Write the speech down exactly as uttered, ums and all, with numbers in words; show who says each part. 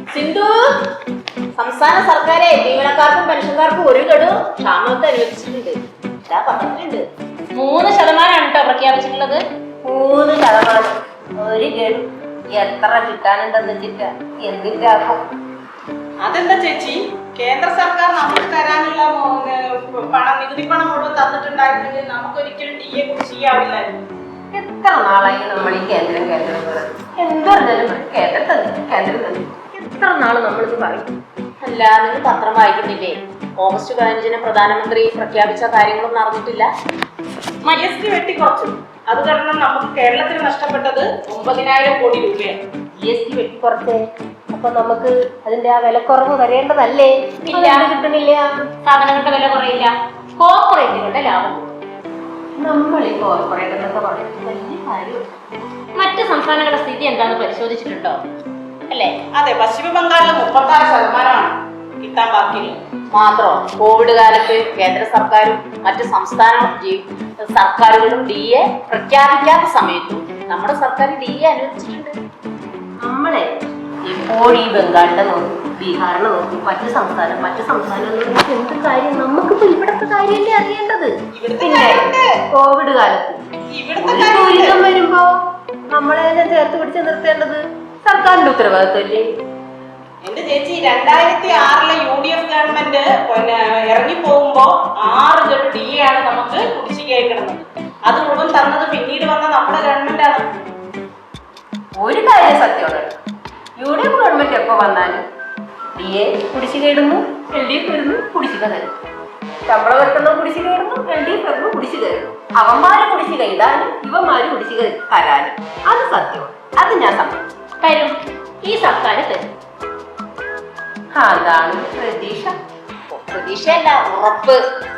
Speaker 1: സിന്ധു, സംസ്ഥാന സർക്കാരെ ജീവനക്കാർക്കും പെൻഷൻകാർക്കും ഒരു ഗഡു ക്ഷാമത്തെ അനുവദിച്ചിട്ടുണ്ട്. ഇതാ പറഞ്ഞിട്ടുണ്ട്.
Speaker 2: മൂന്ന് ശതമാനമാണ് കേട്ടോ പ്രഖ്യാപിച്ചിട്ടുള്ളത്.
Speaker 3: മൂന്ന് ശതമാനം ഒരു ഗഡു എത്ര കിട്ടാനുണ്ടെന്ന് വെച്ചിട്ട് എന്തിനാക്കും?
Speaker 4: അതെന്താ ചേച്ചി, കേന്ദ്ര സർക്കാർ നമുക്ക് തരാനുള്ള പണം, നികുതി പണം മുഴുവൻ തന്നിട്ടുണ്ടായിരുന്നെങ്കിൽ നമുക്കൊരിക്കലും ഡി എ കുറിച്ചാവില്ലായിരുന്നു.
Speaker 3: എത്ര നാളായി നമ്മൾ ഈ കേന്ദ്രം കേന്ദ്രം എന്ത് പറഞ്ഞാലും കേന്ദ്രം തന്നെ കേന്ദ്രം തന്നെ എത്ര നാള് നമ്മളിത് പറയും.
Speaker 1: അല്ല, നിങ്ങൾ പത്രം വായിക്കുന്നില്ലേ? ഓഗസ്റ്റ് പതിനഞ്ചിന് പ്രധാനമന്ത്രി പ്രഖ്യാപിച്ച കാര്യങ്ങളൊന്നും അറിഞ്ഞിട്ടില്ല.
Speaker 4: ജി എസ് ടി വെട്ടിക്കുറച്ചു. അത് കാരണം നമുക്ക് കേരളത്തിന് നഷ്ടപ്പെട്ടത് ഒമ്പതിനായിരം കോടി രൂപയാണ്.
Speaker 3: ജി എസ് ടി വെട്ടിക്കുറച്ചേ, അപ്പൊ നമുക്ക് അതിന്റെ ആ വിലക്കുറവ് വരേണ്ടതല്ലേ?
Speaker 2: ഇല്ല,
Speaker 3: കിട്ടണില്ല.
Speaker 2: സാധനങ്ങളുടെ വില കുറയില്ല, കോർപ്പറേറ്റുകളുടെ ലാഭം.
Speaker 3: നമ്മൾ ഈ കോർപ്പറേറ്റ് എന്നൊക്കെ പറയുന്നത് വലിയ കാര്യം.
Speaker 2: മറ്റ് സംസ്ഥാനങ്ങളുടെ സ്ഥിതി എന്താണെന്ന് പരിശോധിച്ചിട്ടുണ്ടോ? അല്ലേ?
Speaker 4: അതെ, പശ്ചിമ ബംഗാളിൽ മുപ്പത്തി ആറ് ശതമാനമാണ് കിട്ടാൻ ബാക്കിയുള്ളത്.
Speaker 1: മാത്രം കോവിഡ് കാലത്ത് കേന്ദ്ര സർക്കാരും മറ്റ് സംസ്ഥാന സർക്കാരുകളും ഡി എ പ്രഖ്യാപിക്കാത്ത സമയത്തും നമ്മുടെ സർക്കാർ ഡി എ അനുവദിച്ചിട്ടുണ്ട്.
Speaker 3: നമ്മളെ ഇപ്പോൾ ഈ ബംഗാളിനെ നോക്കും, ബീഹാറിനെ നോക്കും, മറ്റു സംസ്ഥാനം മറ്റു സംസ്ഥാനങ്ങളിൽ എന്ത് കാര്യം നമുക്കിപ്പോ ഇവിടത്തെ കാര്യമല്ലേ അറിയേണ്ടത്. പിന്നെ കോവിഡ് കാലത്ത് ഒരു ദുരിതം വരുമ്പോ നമ്മളെ തന്നെ ചേർത്ത് പിടിച്ച് നിർത്തേണ്ടത് സർക്കാരിന്റെ ഉത്തരവാദിത്വമല്ലേ?
Speaker 4: എന്റെ ചേച്ചി, രണ്ടായിരത്തി ആറിലെ യു ഡി എഫ് ഗവൺമെന്റ് പിന്നെ ഇറങ്ങി പോകുമ്പോ ആറ് ഗഡു ഡി എ ആണ് നമുക്ക് കുടിശ്ശികയായി കിടന്നത്. അത് മുഴുവൻ തന്നത് പിന്നീട് വന്ന നമ്മുടെ ഗവൺമെന്റ് ആണ്.
Speaker 3: ഒരു കാര്യം സത്യമാണ്, യു ഡി എഫ് ഗവൺമെന്റ് എപ്പോ വന്നാലും ഡി എ കുടിശ്ശിക ഇടുന്നു, എൽ ഡി എഫ് വരുന്നു, കുടിശ്ശിക തരുന്നു. ശമ്പളം വെക്കുന്ന കുടിശ്ശിക ഇടുന്നു, എൽ ഡി എഫ് വരുന്നു, കുടിശ്ശിക തരുന്നു. അവന്മാര് കുടിശ്ശിക ഇടാനും ഇവന്മാര് കുടിശ്ശിക തരാനും. അത് സത്യമാണ്, അത് ഞാൻ സമ്മതിച്ചു.
Speaker 2: തരും, ഈ സർക്കാർ തരും.
Speaker 3: അതാണ് പ്രതീക്ഷ.
Speaker 1: പ്രതീക്ഷയല്ല, ഉറപ്പ്.